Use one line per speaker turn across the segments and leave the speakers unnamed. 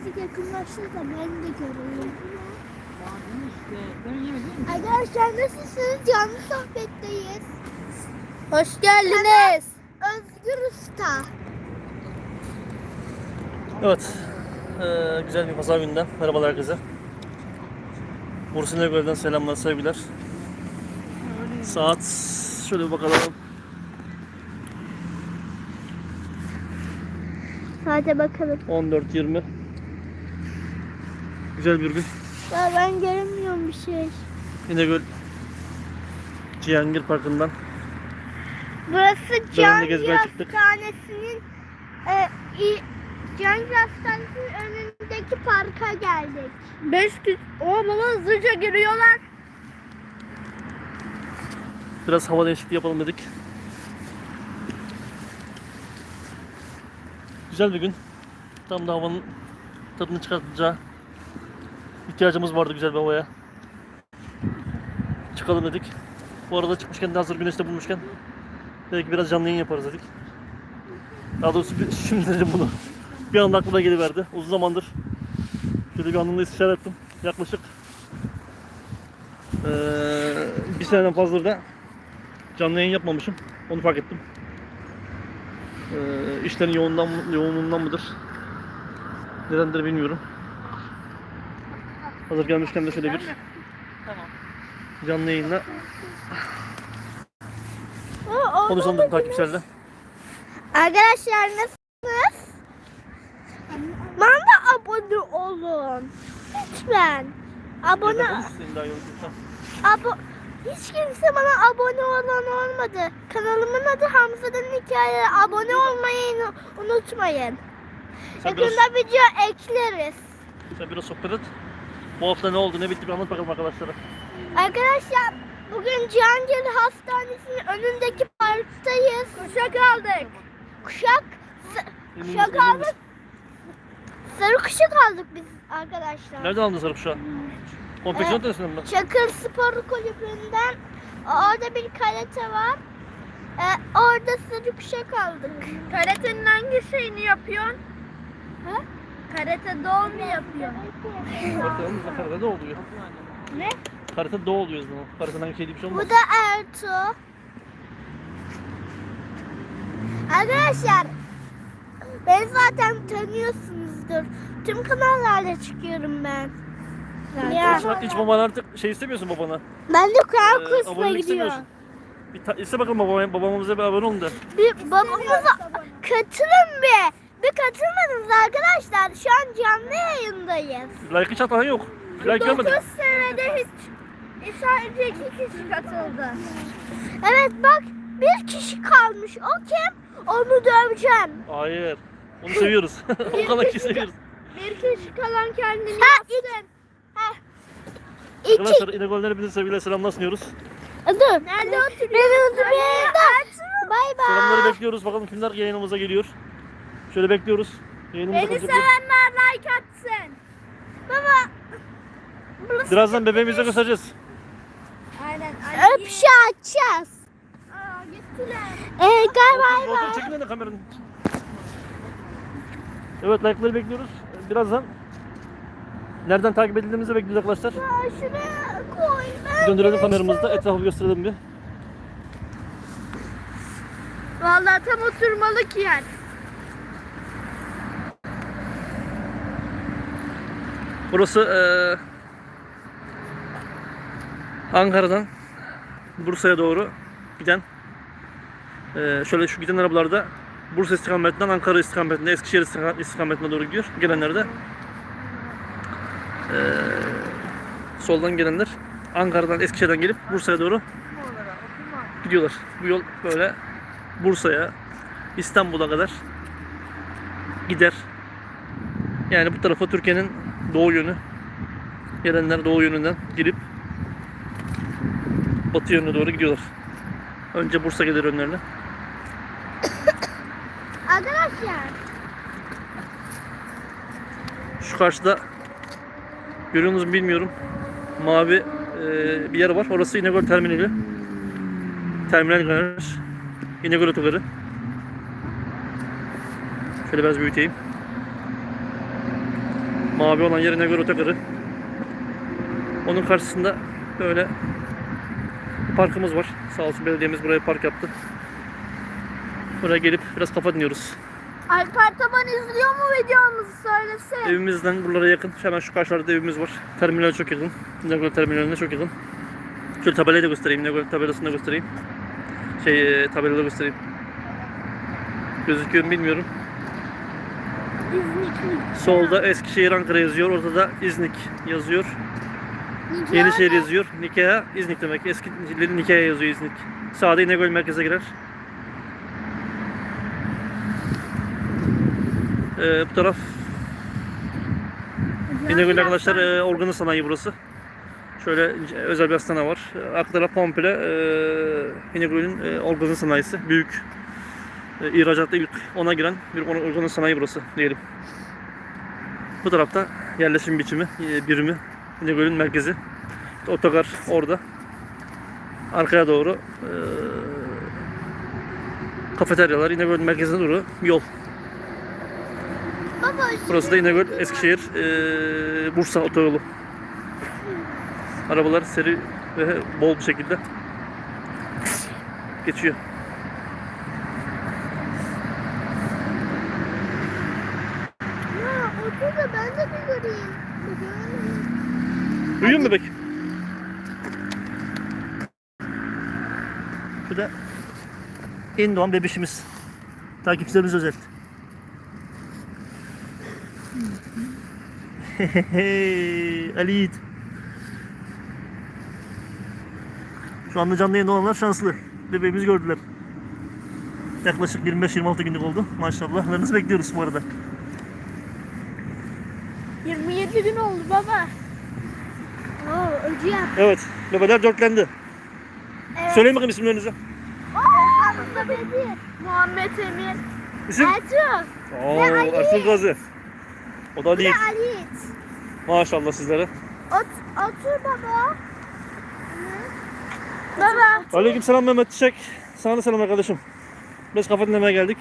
Birazcık yakınlaştı da ben de göreyim. Arkadaşlar nasılsınız? Canlı sohbetteyiz.
Hoş geldiniz.
Özgür Usta.
Evet, güzel bir pazar gününden merhabalar herkese. Bursa İnegöl'den selamlar, sevgiler. Saat şöyle bir bakalım.
Hadi bakalım.
14:20. Güzel bir gün.
Ya ben göremiyorum bir şey.
İnegöl Cihangir Parkı'ndan
Burası
Cihangir gezmeye çıktık.
Hastanesi'nin Cihangir Hastanesi'nin önündeki parka geldik.
5 kişi. Baba hızlıca giriyorlar.
Biraz hava değişikliği yapalım dedik. Güzel bir gün. Tam da havanın tadını çıkartacağı ihtiyacımız vardı güzel bir havaya. Çıkalım dedik. Bu arada çıkmışken de hazır güneşte bulmuşken belki biraz canlı yayın yaparız dedik. Daha doğrusu şimdi dedim bunu. Bir anda aklıma geliverdi. Uzun zamandır şöyle bir anlamda istişare ettim. Yaklaşık bir seneden fazladır da canlı yayın yapmamışım. Onu fark ettim. İşlerin yoğunluğundan mıdır? Nedendir bilmiyorum. Hazır gelmişken de şöyle bir canlı yayınla konuşalım takipçilerle.
Arkadaşlar nasılsınız? Bana da abone olun. Lütfen. Abone Hiç kimse bana abone olan olmadı. Kanalımın adı Hamza'nın Hikayeleri. Abone olmayı unutmayın. Yakında video ekleriz.
Sen biraz sohbet et. Bu hafta ne oldu, ne bitti bir anlat bakalım arkadaşlara.
Arkadaşlar bugün Cihangir Hastanesi'nin önündeki parktayız.
Kuşak aldık.
Kuşak aldık. Sarı kuşak aldık biz arkadaşlar.
Nereden aldın sarı kuşağı? Konfeksiyon tenisinden mi?
Çakır Spor Kulübü'nden. Orada bir karate var. Orada sarı kuşak aldık.
Karatenin hangi şeyini yapıyorsun?
Ha?
Karate doğu mu yapıyorsun?
Karate doğu oluyor.
Ne?
Karate doğu oluyor zaten. Karate'den hangi şey diye bir şey olmaz.
Bu da Ertuğ. Arkadaşlar beni zaten tanıyorsunuzdur. Tüm kanallarda çıkıyorum ben. Ya.
Hiç baban artık şey istemiyorsun babana.
Ben de Kur'an kursuna
Abonelik
gidiyorum.
istemiyorsun. İste bakalım babamıza bir abone olun da.
Bir babamıza katılın bir. Bir katılmadınız arkadaşlar. Şu an canlı yayındayız.
Like hiç atan yok. Like görmedim.
9 senede hiç sadece 2 kişi katıldı.
Evet bak bir kişi kalmış. O kim? Onu döveceğim.
Hayır. Onu seviyoruz. O kadar ki seviyoruz.
Bir kişi kalan kendini
Ha, İki.
Arkadaşlar İnegöl'lere bize sevgiler selamlar sunuyoruz.
Dur.
Nerede oturuyorsun?
Ben oturuyorum. Bay bay.
Selamları bekliyoruz. Bakalım kimler yayınımıza geliyor. Şöyle bekliyoruz. Yayınımıza
Beni
katılacak.
sevenler like atsın.
Baba.
Birazdan bebeğimize göstereceğiz.
Aynen.
Öpüşü açacağız.
Aa, gittiler.
Gel bay
Volkan
bay.
çekin de kameranın. Evet like'ları bekliyoruz. Birazdan nereden takip edildiğimizi bekliyoruz arkadaşlar.
Şuraya koy. Ben
Döndürelim kameramızda. Etrafı gösterelim bir.
Vallahi tam oturmalık yer.
Burası Ankara'dan Bursa'ya doğru giden şöyle şu giden arabalarda Bursa istikametinden Ankara istikametine, Eskişehir istikametine doğru gidiyor. Gelenler de soldan gelenler Ankara'dan, Eskişehir'den gelip Bursa'ya doğru gidiyorlar. Bu yol böyle Bursa'ya, İstanbul'a kadar gider. Yani bu tarafa Türkiye'nin doğu yönü. Gelenler doğu yönünden girip batı yönüne doğru gidiyorlar. Önce Bursa gelir önlerine.
Arkadaşlar.
Şu karşıda görüyorsunuz mu bilmiyorum. Mavi bir yer var. Orası İnegöl Terminali. Terminal garaj. İnegöl Otogarı. Şöyle biraz büyüteyim. Mavi olan yer İnegöl Otogarı. Onun karşısında böyle parkımız var. Sağ olsun belediyemiz buraya park yaptı. Buraya gelip biraz kafa dinliyoruz.
Alper Taban izliyor mu videomuzu söylesin.
Evimizden buralara yakın. Hemen şu karşılarda evimiz var. Terminal çok yakın. İnegöl terminaline çok yakın. Şöyle tabelayı da göstereyim. İnegöl tabelasını da göstereyim. Tabelaları göstereyim. Gözüküyor mu bilmiyorum.
İznik.
Solda Eskişehir Ankara yazıyor. Ortada İznik yazıyor. Yenişehir yazıyor. Nikaya İznik demek. Eski Nikaya yazıyor İznik. Sağda İnegöl merkeze girer. Bu taraf İnegöl arkadaşlar organı sanayi burası. Şöyle özel bir hastane var. Arka taraf komple İnegöl'ün organı sanayisi. Büyük ihracatta ilk ona giren bir organı sanayi burası diyelim. Bu tarafta yerleşim biçimi birimi İnegöl'ün merkezi. Otogar orada. Arkaya doğru kafeteryalar İnegöl merkezine doğru yol.
Baba
Burası da İnegöl, Eskişehir, Bursa otoyolu. Arabalar seri ve bol bir şekilde geçiyor.
ya otur da ben de bir göreyim.
Uyuyor mu bebek? Bu da en doğan bebişimiz. Takipçilerimiz özel. Ali Yiğit. Şu anda canlı yayında olanlar şanslı. Bebeğimizi gördüler. Yaklaşık 25-26 günlük oldu. Maşallah. Larınızı bekliyoruz bu arada.
27 gün oldu baba.
Oo acıyor.
Evet. Bebeler dörtlendi.
Evet.
Söyleyin bakayım isimlerinizi.
Hamza Bedir.
Muhammed Emir.
İsim?
Ertuğrul.
Oo, Ertuğrul Gazi. O da Ali
Bir de
Yiğit.
Ali Yiğit.
Maşallah sizlere.
Otur baba.
Baba.
Aleykümselam Mehmet Çiçek. Sana da selam arkadaşım. Biz kafa dinlemeye geldik.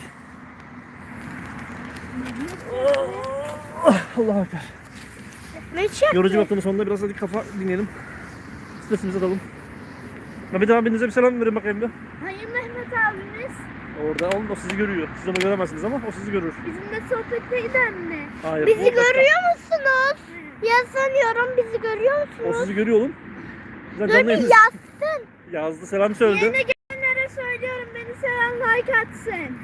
Allah'a ekber.
Ne çek?
Yorucu bir haftanın sonunda biraz hadi kafa dinleyelim. Stresimizi alalım. Mehmet abinize bir selam verin bakayım bir.
Hayır Mehmet abimiz.
Orada o sizi görüyor. Siz onu göremezsiniz ama o sizi görür.
Bizimle sohbetteydi anne.
Hayır.
Bizi
o başka.
görüyor musunuz? Yazsanıyorum bizi görüyor
O
musunuz?
sizi görüyor oğlum. Güzel
Dur
canlı
bir
yayınız.
yazsın.
Yazdı selam söyledi.
Yeni gelenlere söylüyorum beni seven like atsın.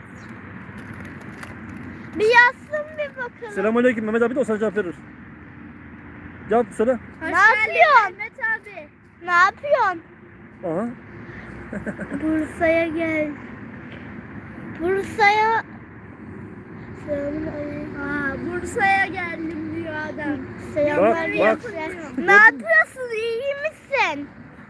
Bir yazsın bir bakalım.
Selamünaleyküm Mehmet abi de o sana cevap verir. Cevap söyle.
Hoş
Ne
geldin
yapıyorsun?
Mehmet abi.
Ne yapıyorsun?
Aha.
Bursa'ya gel. Bursa'ya. Selamünaleyküm.
Bursa'ya geldim diyor adam.
Selamünaleyküm.
Bak.
Ne yapıyorsun? İyi misin?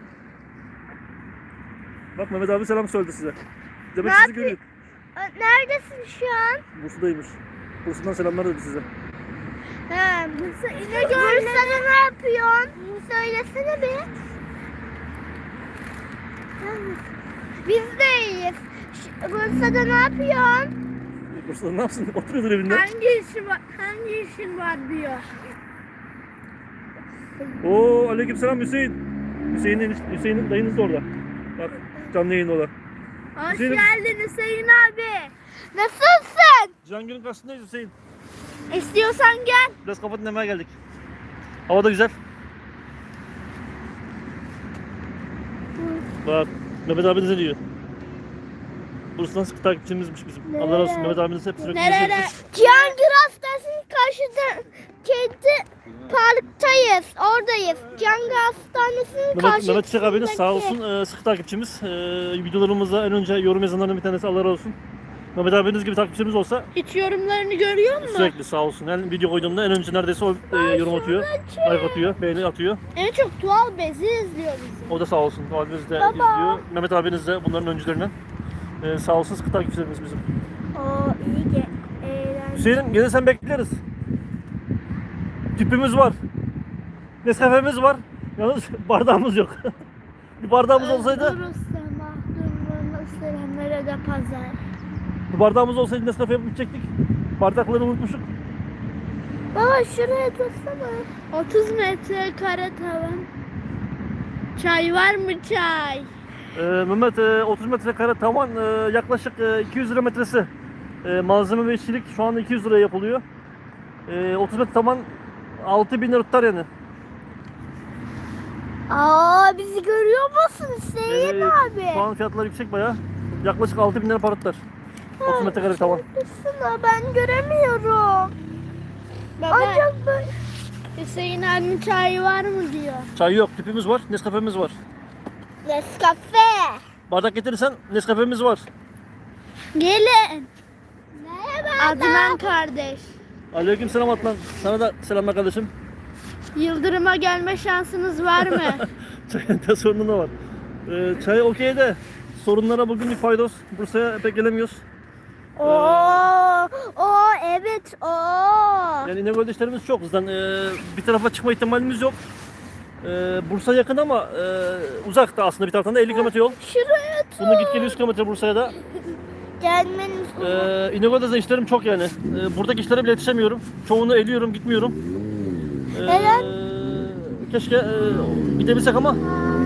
Bak Mehmet abi selam söyledi size. Demek
Ne
sizi
yapıyor-
görüyor.
Neredesin şu an?
Bursa'daymış. Bursa'dan selamlar dedi size.
He, Bursa'da ne yapıyorsun? Söylesene bir. Biz de iyiyiz. Bursa'da ne yapıyorsun?
Bursa'da ne yapsın? Oturuyordur evinde.
Hangi işin var diyor.
Oo aleykümselam Hüseyin. Hüseyin'in dayınız da orada. Bak canlı yayında o da.
Hoş
Hüseyin'im.
geldin Hüseyin abi.
Nasılsın?
Cihangir'in karşısındayız Hüseyin.
İstiyorsan gel.
Biraz kafa dinlemeye geldik. Hava da güzel. Bak Mehmet abiniz ne diyor? Bursa'dan sıkı takipçimizmiş bizim. Allah razı olsun Mehmet abiniz hep sürekli
Nerede?
izliyoruz.
Cihangir Hastanesi'nin karşıda kendi parktayız. Oradayız. Cihangir Hastanesi'nin
Mehmet Çiçek abiniz sağ olsun sıkı takipçimiz. Videolarımıza en önce yorum yazanların bir tanesi Allah razı olsun. Mehmet abiniz gibi takipçimiz olsa
Hiç yorumlarını görüyor musun?
sürekli sağ olsun. Her video koyduğumda en önce neredeyse o yorum atıyor. Like atıyor, beğeni atıyor.
En çok Tuval Bezi izliyor bizi.
O da sağ olsun. Abiniz de izliyor. Mehmet abiniz de bunların öncülerinden. Sağ olsun sıkı takipçilerimiz bizim.
Oo iyi ki. Eğlenceli.
Hüseyin'im gelirsen bekleriz. Tüpümüz var. Nescafe'miz var. Yalnız bardağımız yok. Bir bardağımız olsaydı,
Bursa Mahdumlu'nun selamları da pazar.
bir bardağımız olsaydı Nescafe yapıp içecektik. Bardakları unutmuşuk.
Baba şuraya tutsana.
30 metrekare tavan. Çay var mı çay?
Mehmet 30 metrekare tavan yaklaşık 200 lira metresi. Malzeme ve işçilik şu anda 200 liraya yapılıyor. 30 metre tavan 6.000 lira tutar yani.
Aa bizi görüyor musun Hüseyin abi?
Şu an fiyatlar yüksek bayağı. Yaklaşık 6.000 lira para tutar. 30 metrekare tavan.
Tutsana ben göremiyorum.
Baba
Ancak böyle.
Hüseyin abinin çayı var mı diyor.
Çay yok, tüpümüz var, Nescafe'miz var.
Nescafe.
Bardak getirirsen Nescafe'miz var.
Gelin.
Merhaba.
Adnan kardeş.
Aleykümselam Atlan. Sana da selamlar kardeşim.
Yıldırım'a gelme şansınız var mı?
Çayın sorunu da var. Çay okey de sorunlara bugün faydos. Bursa'ya pek gelemiyoruz.
Oo evet o.
Yani İnegöl'de işlerimiz çok. Zaten bir tarafa çıkma ihtimalimiz yok. Bursa yakın ama uzakta aslında bir taraftan da 50 km yol.
Şuraya tut.
Bunu git gel 100 km Bursa'ya da.
Gelmeniz.
İnegöl'de de işlerim çok yani. Buradaki işlere bile yetişemiyorum. Çoğunu eliyorum, gitmiyorum.
Neden?
Keşke gidebilsek ama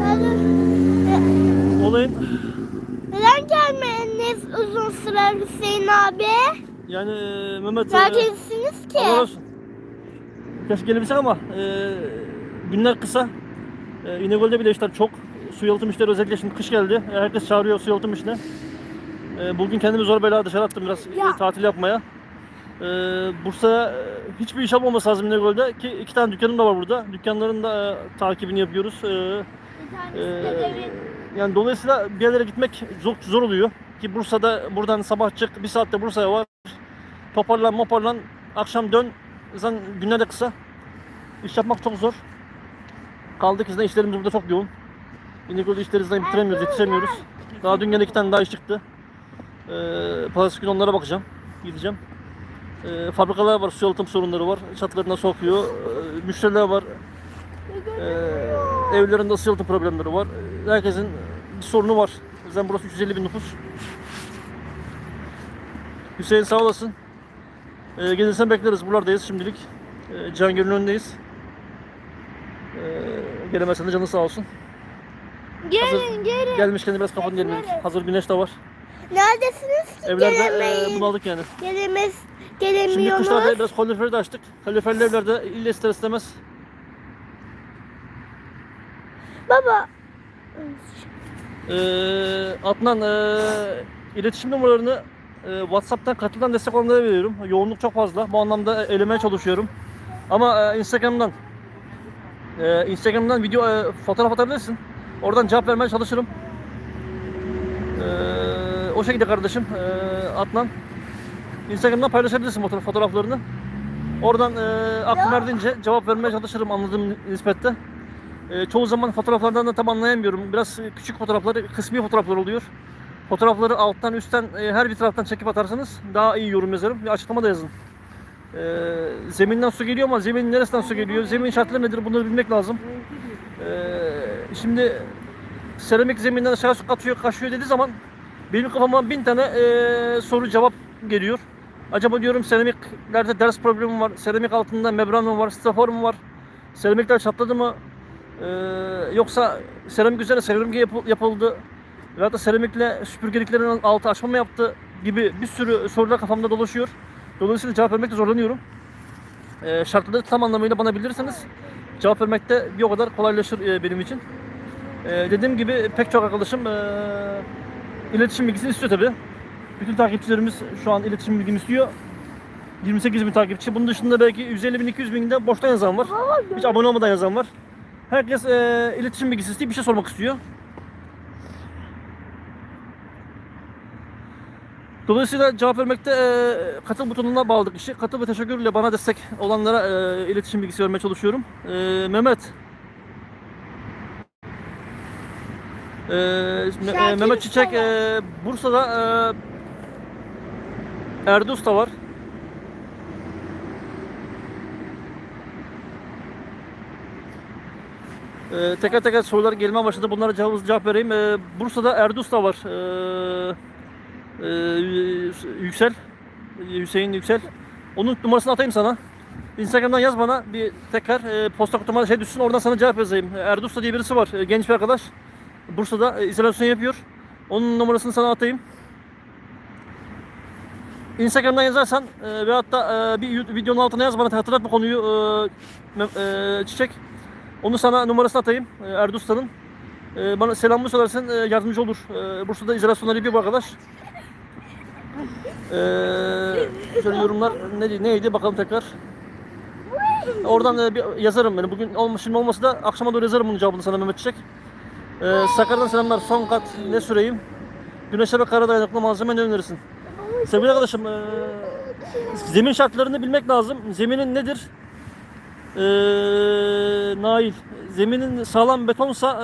olayın
Neden gelmeniz uzun sürer Hüseyin abi?
yani Mehmet
Neredesiniz ki?
Allah olsun. Keşke gelebilsek ama günler kısa. İnegöl'de bile işler çok. Su yalıtım işleri özellikle şimdi kış geldi. Herkes çağırıyor su yalıtım işine. Bugün kendimi zor bela dışarı attım biraz tatil yapmaya. Bursa'ya hiçbir iş yapmaması lazım İnegöl'de ki 2 tane dükkanım da var burada. Dükkanların da takibini yapıyoruz. Yani dolayısıyla bir yerlere gitmek zor oluyor. Ki Bursa'da buradan sabah çık, bir saatte Bursa'ya var. Toparlan, akşam dön. Zaten günler de kısa. İş yapmak çok zor. Kaldı ki işlerimiz burada çok yoğun. İnegöl'de işlerimizden bitiremiyoruz, yetişemiyoruz. Daha dün gene 2 tane daha iş çıktı. Pazartesi günü onlara bakacağım. Gideceğim. Fabrikalar var, su yalıtım sorunları var. Çatılarına sokuyor. Müşteriler var. Evlerinde su yalıtım problemleri var. Herkesin bir sorunu var. Zaten burası 350 bin nüfus. Hüseyin sağ olasın. Gelirsen bekleriz. Buralardayız şimdilik. Cihangir'in önündeyiz. Gelemezsen de canın sağ olsun.
Gelin gelin.
Gelmişken de biraz kafanı dinleyelim. Hazır güneş de var.
Neredesiniz ki?
Evlerde
Gelemeyin.
bunaldık yani. Şimdi
Gelemiyoruz.
kışlarda biraz kaloriferi de açtık. Kaloriferli evlerde ille ister istemez.
Baba.
Adnan iletişim numaralarını WhatsApp'tan katıldan destek olanlara veriyorum. Yoğunluk çok fazla. Bu anlamda elemeye çalışıyorum. Ama Instagram'dan video fotoğraf atabilirsin. Oradan cevap vermeye çalışırım. O şekilde kardeşim Adnan. Instagram'dan paylaşabilirsin fotoğraflarını. Oradan aklım erdiğince cevap vermeye çalışırım anladığım nispette. Çoğu zaman fotoğraflardan da tam anlayamıyorum. Biraz küçük fotoğraflar, kısmi fotoğraflar oluyor. Fotoğrafları alttan, üstten, her bir taraftan çekip atarsanız daha iyi yorum yazarım. Bir açıklama da yazın. Zeminden su geliyor ama zeminin neresinden su geliyor? Zemin şartları nedir? Bunları bilmek lazım. Şimdi seramik zeminden aşağı su katıyor, kaçıyor dediği zaman benim kafama 1000 tane soru cevap geliyor. Acaba diyorum seramiklerde ders problemi var, seramik altında membran mı var, strafor mu var, seramikler çatladı mı, yoksa seramik üzerine seramik yapıldı veya da seramikle süpürgeliklerin altı açma mı yaptı gibi bir sürü sorular kafamda dolaşıyor. Dolayısıyla cevap vermekte zorlanıyorum. Şartları tam anlamıyla bana bildirirseniz cevap vermekte bir o kadar kolaylaşır benim için. Dediğim gibi pek çok arkadaşım iletişim bilgisini istiyor tabi. Bütün takipçilerimiz şu an iletişim bilgimi istiyor. 28 bin takipçi. Bunun dışında belki 150 bin, 200 bin de boştan yazan var. Hiç abone olmadan yazan var. Herkes iletişim bilgisi istiyor, bir şey sormak istiyor. Dolayısıyla cevap vermekte katıl butonuna bağladık işi. Katıl ve teşekkürle bana destek olanlara iletişim bilgisi vermeye çalışıyorum. Mehmet. Mehmet Çiçek Bursa'da Erdi Usta var. Teker teker sorular gelmeye başladı. Bunlara cevap vereyim. Bursa'da Erdi Usta var. Yüksel. Hüseyin Yüksel. Onun numarasını atayım sana. Instagram'dan yaz bana bir tekrar posta kutuma şey düşsün, oradan sana cevap yazayım. Erdusta diye birisi var, genç bir arkadaş. Bursa'da izolasyon yapıyor. Onun numarasını sana atayım. Instagram'dan yazarsan ve hatta bir videonun altına yaz bana, hatırlat bu konuyu Çiçek. Onu sana numarasını atayım Erdusta'nın. Bana selamını söylersen yardımcı olur. Bursa'da izolasyonları yapıyor bu arkadaş. Şöyle yorumlar neydi bakalım tekrar. Oradan bir yazarım beni. Bugün şimdi olmasa da akşama doğru yazarım bunun cevabını sana Mehmet Çiçek. Sakarya'dan selamlar. Son kat ne süreyim? Güneşe ve kara dayanıklı malzeme ne önerirsin? Sevgili arkadaşım, zemin şartlarını bilmek lazım. Zeminin nedir? Nail. Zeminin sağlam betonsa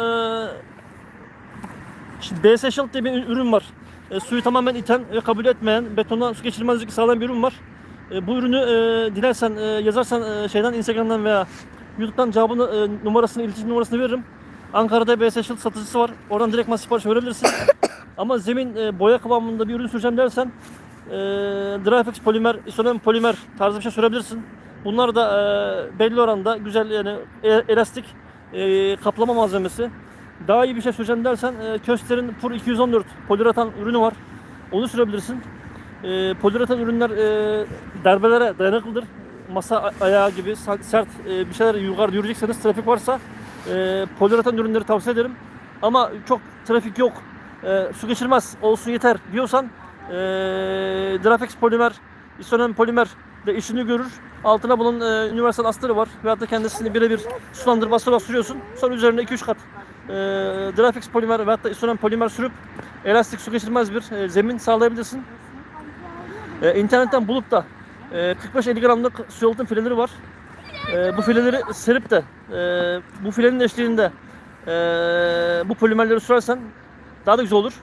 şimdi BS Shield diye bir ürün var. Suyu tamamen iten ve kabul etmeyen, betona su geçirmezlik sağlayan bir ürün var. Bu ürünü dilersen yazarsan şeyden, Instagram'dan veya YouTube'dan cevabını, numarasını, iletişim numarasını veririm. Ankara'da BS Shield satıcısı var. Oradan direkt sipariş verebilirsin. Ama zemin boya kıvamında bir ürün süreceğim dersen Dryflex polimer, isolen polimer tarzı bir şey sürebilirsin. Bunlar da belli oranda güzel, yani elastik kaplama malzemesi. Daha iyi bir şey süreceğim dersen Köster'in Pur 214 poliuretan ürünü var. Onu sürebilirsin. Poliuretan ürünler darbelere dayanıklıdır. Masa ayağı gibi sert bir şeyler yukarı yürüyecekseniz, trafik varsa poliuretan ürünleri tavsiye ederim. Ama çok trafik yok, su geçirmez, olsun yeter diyorsan Dryflex polimer, isolen polimer de işini görür. Altına bunun universal astarı var. Veyahut da kendisini birebir sulandırıp astarla sürüyorsun. Sonra üzerine 2-3 kat Dryflex polimer veyahut da isolen polimer sürüp elastik, su geçirmez bir zemin sağlayabilirsin. İnternetten bulup da 45-50 gramlık su yalıtım fileleri var. Bu fileleri serip de bu filenin eşliğinde bu polimerleri sürersen daha da güzel olur.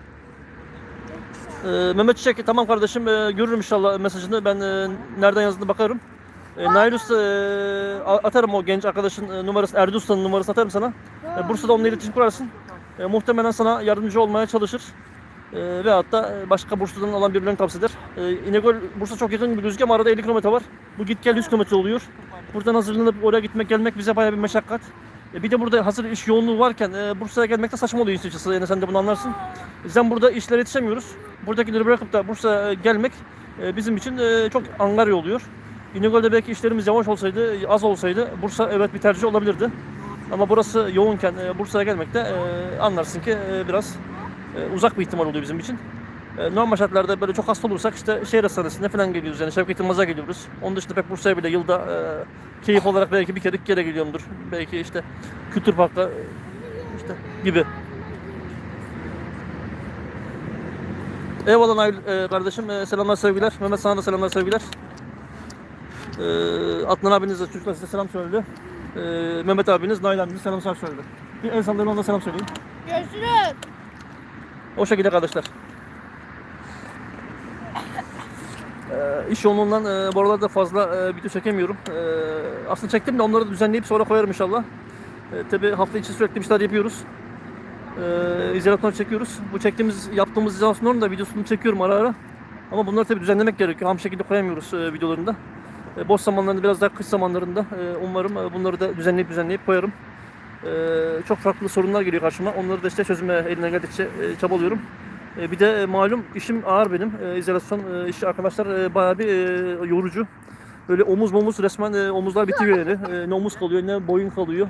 Mehmet Çiçek, tamam kardeşim, görürüm inşallah mesajını. Ben nereden yazdığını bakarım. Nailus atarım, o genç arkadaşın numarası, Erdusta'nın numarasını atarım sana. Bursa'da onunla iletişim kurarsın. Muhtemelen sana yardımcı olmaya çalışır. Ve hatta başka Bursa'dan olan birilerini tavsiye eder. İnegöl Bursa çok yakın gibi gözüküyor ama arada 50 km var. Bu git gel 100 km oluyor. Buradan hazırlanıp oraya gitmek gelmek bize bayağı bir meşakkat. Bir de burada hazır iş yoğunluğu varken Bursa'ya gelmek de saçma oluyor açıkçası. Yani sen de bunu anlarsın. Bizden burada işlere yetişemiyoruz. Buradakileri bırakıp da Bursa'ya gelmek bizim için çok angarya oluyor. İnegöl'de belki işlerimiz yavaş olsaydı, az olsaydı Bursa evet bir tercih olabilirdi. Ama burası yoğunken Bursa'ya gelmek de anlarsın ki biraz uzak bir ihtimal oluyor bizim için. Normal şartlarda böyle çok hasta olursak işte şehir hastanesine falan geliyoruz, yani Şevket Yılmaz'a geliyoruz. Onun dışında pek Bursa'ya bile yılda keyif olarak belki bir kere iki kere geliyorumdur. Belki işte Kültür Park'ta işte gibi. Eyvallah Nail kardeşim, selamlar sevgiler. Mehmet, sana da selamlar sevgiler. Adnan abiniz de çocuklar size selam söyledi. Mehmet abiniz, Nail abiniz selam söyledi. Bir el sallayın, ona selam söyleyin.
Görüşürüz.
O şekilde kardeşler. İş yoğunluğundan bu aralarda fazla video çekemiyorum. Aslında çektim de onları da düzenleyip sonra koyarım inşallah. Tabi hafta içi sürekli bir şeyler yapıyoruz. İzolasyon çekiyoruz. Bu yaptığımız izolasyonların da videosunu çekiyorum ara ara. Ama bunları tabi düzenlemek gerekiyor. Ham şekilde koyamıyoruz videolarında. Boş zamanlarında, biraz daha kış zamanlarında umarım bunları da düzenleyip koyarım. Çok farklı sorunlar geliyor karşıma. Onları da işte çözüme elimden geldikçe çabalıyorum. Bir de malum işim ağır benim. İzolasyon işi arkadaşlar bayağı bir yorucu. Böyle omuz resmen omuzlar bitiyor yani. Ne omuz kalıyor ne boyun kalıyor.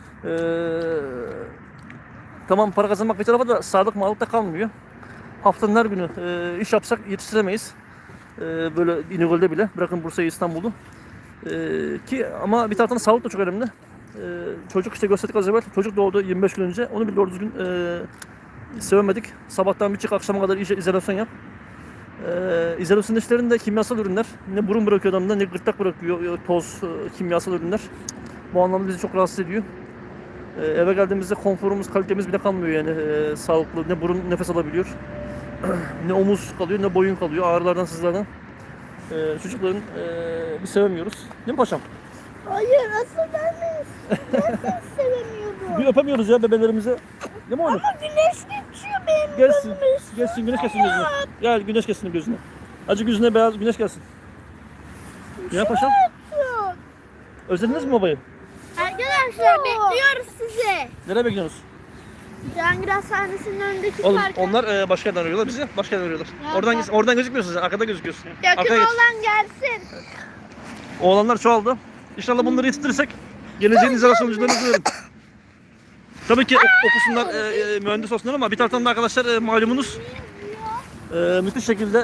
Tamam, para kazanmak bir tarafa da sağlık da kalmıyor. Haftanın her günü iş yapsak yetiştiremeyiz. Böyle İnegöl'de bile. Bırakın Bursa'yı, İstanbul'u. Ki ama bir taraftan sağlık da çok önemli. Çocuk işte gösterdik az evvel. Çocuk doğdu 25 gün önce. Onu bile doğru düzgün sevemedik. Sabahtan bir çık, akşama kadar izolasyon yap. İzolasyon işlerinde kimyasal ürünler. Ne burun bırakıyor adamda, ne gırtlak bırakıyor, toz, kimyasal ürünler. Bu anlamda bizi çok rahatsız ediyor. Eve geldiğimizde konforumuz, kalitemiz bile kalmıyor yani. Sağlıklı, ne burun nefes alabiliyor, ne omuz kalıyor, ne boyun kalıyor, ağrılardan, sızlardan. Çocukların bir sevemiyoruz. Değil mi paşam?
Hayır, asıl ben seni sevemiyorum.
Bir öpemiyoruz ya bebelerimize. Değil mi oğlum?
Ama güneş geçiyor benim
Gelsin.
gözümün
Gelsin, güneş gelsin gözüne. Gel, güneş gelsin gözüne. Acı yüzüne beyaz güneş gelsin. Ya paşam?
üstüne.
Özlediniz mi babayı?
Arkadaşlar bekliyoruz sizi.
Nereye bekliyorsunuz?
Cihangir Hastanesi'nin önündeki
Oğlum
parka.
onlar başka yerden arıyorlar bizi. Başka yerden arıyorlar. Oradan gözükmüyorsun sen. Arkada gözüküyorsun.
Yakın
Arkaya geç.
olan gelsin.
Oğlanlar çoğaldı. İnşallah bunları yetiştirirsek geleceğin izolasyoncularını duyarım. Tabii ki okusunlar, mühendis olsunlar ama bir taraftan da arkadaşlar malumunuz müthiş şekilde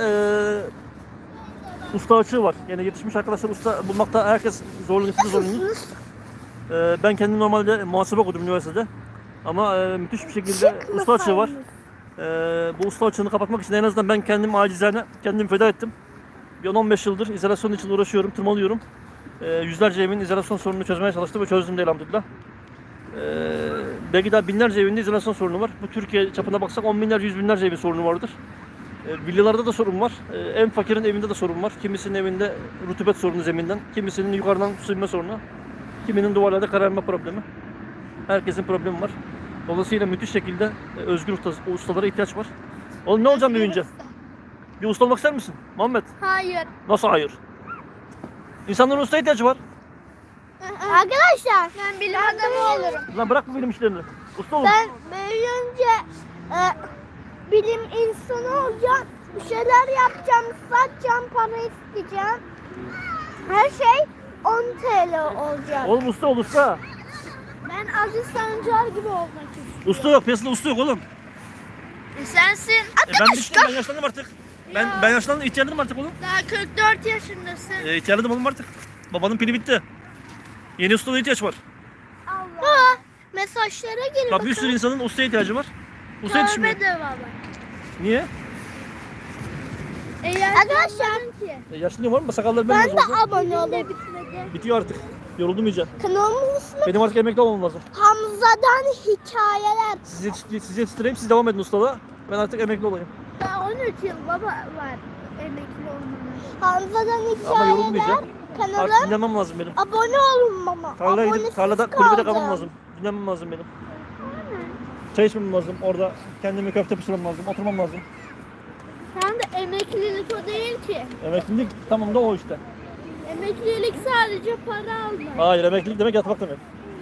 usta açığı var. Yani yetişmiş arkadaşlar usta bulmakta herkes zorlanıyor. Ben kendim normalde muhasebe okudum üniversitede. Ama müthiş bir şekilde usta açığı var. Bu usta açığını kapatmak için en azından ben kendim acizane kendimi feda ettim. Bir 10-15 yıldır izolasyon için uğraşıyorum, tırmalıyorum. Yüzlerce evin izolasyon sorununu çözmeye çalıştım ve çözdüm de elhamdülillah. Belki daha binlerce evinde izolasyon sorunu var. Bu Türkiye çapına baksak 10 binlerce, 100 binlerce evin sorunu vardır. Villalarda da sorun var. En fakirin evinde de sorun var. Kimisinin evinde rutubet sorunu zeminden, kimisinin yukarıdan su inme sorunu, kiminin duvarlarda kararma problemi. Herkesin problemi var. Dolayısıyla müthiş şekilde özgür ustalara ihtiyaç var. Oğlum ne olacağım büyüyünce? Bir usta olmak ister misin Muhammed?
Hayır.
Nasıl hayır? İnsanların ustaya ihtiyacı var.
Arkadaşlar
Ben bilim adamı olurum.
Lan bırak bu bilim işlerini. Usta ol.
ben büyüyünce bilim insanı olacağım. Bir şeyler yapacağım, satacağım, para isteyeceğim. Her şey 10 TL olacak.
Oğlum usta ol usta.
Ben Aziz Sancar gibi olmak istiyorum.
Usta yok, piyasada usta yok oğlum.
Sensin.
Ben biçtim, ben yaşlandım artık. Ben yaşlandım, ihtiyarladım artık oğlum.
Daha 44 yaşındasın.
İhtiyarladım oğlum artık. Babanın pili bitti. Yeni ustaya ihtiyaç var.
Ha, mesajlara gir
Bak bir sürü insanın ustaya ihtiyacı var. Usta yetişmiyor.
Tövbe de baba.
Niye?
Arkadaşlar
Yaşlıyım var mı? Sakalları
ben
benim
de
oldu.
abone olun.
Bitiyor artık. Yoruldum iyice.
Kanalımın ismi
Benim artık emekli olmam lazım.
Hamza'dan Hikayeler.
Sizi yetiştireyim, siz devam edin ustala. Ben artık emekli olayım.
Daha 13 yıl baba var emekli olmanın.
Hamza'dan
Ama yoruldum iyice.
Hikayeler.
Artık
Kanalım
dinlemem lazım benim.
abone olun mama. Abonesiz
Tarlada kulübede
kaldım.
kalmam lazım. Dinlemem lazım benim. Çay içmem lazım. Orada kendime köfte pişirmem lazım. Oturmam lazım.
Tam da emeklilik o değil ki.
Emeklilik tamam da o işte.
Emeklilik sadece para almak.
Hayır, emeklilik demek yatmak demek.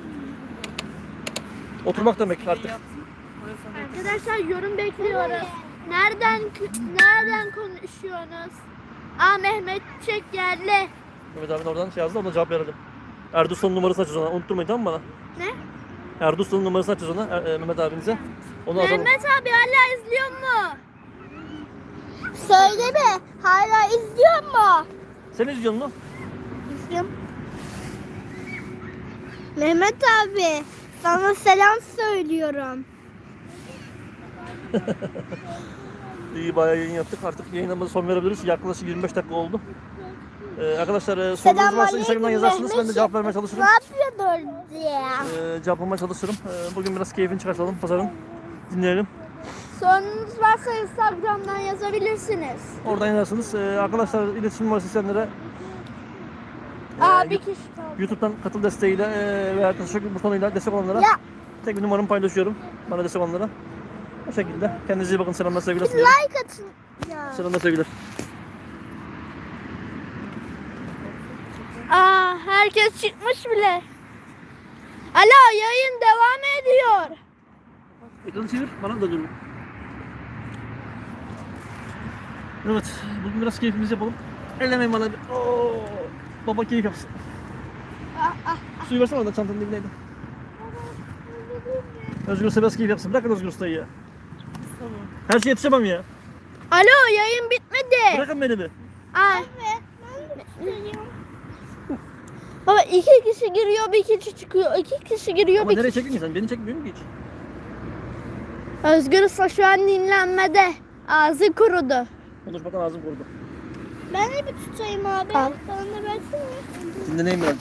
Oturmak demek artık.
Arkadaşlar yorum bekliyoruz. Nereden konuşuyorsunuz? Aa Mehmet Çek yerli.
Mehmet abinin oradan şey yazdı, ona cevap verelim. Erdus'un numarasını açacağız ona. Unutturmayın tamam mı bana?
Ne?
Erdus'un numarasını açacağız ona, Mehmet abinize. Onu alalım.
Mehmet abi hala izliyor mu?
Söyle be. Hala izliyor mu?
Sen izliyorsun mu?
İzliyorum. Mehmet abi sana selam söylüyorum.
İyi bayağı yayın yaptık. Artık yayınlamada son verebiliriz. Yaklaşık 25 dakika oldu. Arkadaşlar sorunuz varsa
Selamünaleyküm
Instagram'dan yazarsınız. Ben de cevap vermeye çalışırım.
Ne yapıyordun diye.
Cevaplamaya çalışırım. Bugün biraz keyfini çıkartalım pazarın. Dinleyelim.
Sorunuz varsa Instagram'dan yazabilirsiniz.
Oradan yazarsınız. Arkadaşlar iletişim numarası isteyenlere
Aa bir kişi kaldı.
YouTube'dan katıl desteğiyle veya teşekkür butonuyla destek olanlara
Ya
tek bir numaramı paylaşıyorum. Bana destek olanlara. O şekilde. Kendinize iyi bakın. Selamlar sevgiler sunuyorum.
like atın. Ya.
Selamlar sevgiler.
Aa herkes çıkmış bile. Alo yayın devam ediyor.
Ekranı çevir. Bana da durun. Evet. Bugün biraz keyfimizi yapalım. Ellemeyin bana bir. Oo, baba keyif yapsın. Suyu versene oradan çantanın dibindeydi. Özgür Usta biraz keyif yapsın. Bırakın Özgür Usta'yı ya. Her şeye yetişemem ya.
Alo yayın bitmedi.
Bırakın beni bir.
Aa. Baba 2 kişi giriyor bir kişi çıkıyor. 2 kişi giriyor
Ama
bir
nereye
kişi.
çekiyorsun sen? Beni çekmiyor mu hiç?
Özgür Usta şu an dinlenmede. Ağzı kurudu.
Konuşmaktan ağzım kurudu.
Ben de bir tutayım abi.
Al.
Bana da versene.
Dinleneyim biraz.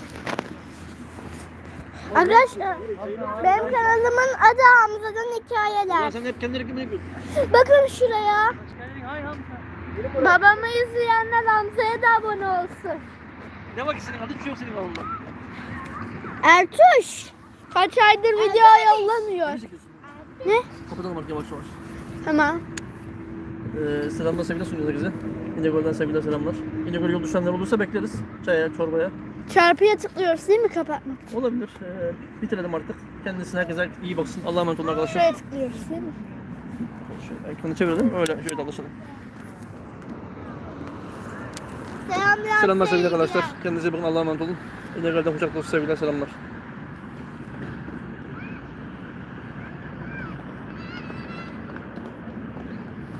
Arkadaşlar benim kanalımın adı Hamza'dan Hikayeler.
Sen hep kendi reklamını yapıyorsun.
Bakın şuraya.
Babamı izleyenler Hamza'ya da abone olsun.
Ne bak senin adın yok senin kanalında.
Ertuş.
Kaç aydır video yollanıyor.
Ne çekiyorsun?
Ne?
Kapatalım artık yavaş yavaş.
Tamam.
Selamlar sevgiler sunuyoruz herkese. İnegöl'den sevgiler selamlar. İnegöl yol düşenler olursa bekleriz. Çaya, çorbaya.
Çarpıya tıklıyoruz değil mi kapatmak?
Olabilir. Bitirelim artık. Kendisine herkese iyi baksın. Allah'a emanet olun arkadaşlar.
Şuraya tıklıyoruz değil mi?
Şöyle ekranı çevirelim. Öyle şöyle anlaşalım.
Selamlar
Selamlar sevgili
sevgiler.
arkadaşlar. Kendinize bakın. Allah'a emanet olun. İleride kucak dolusu sevgiler, selamlar.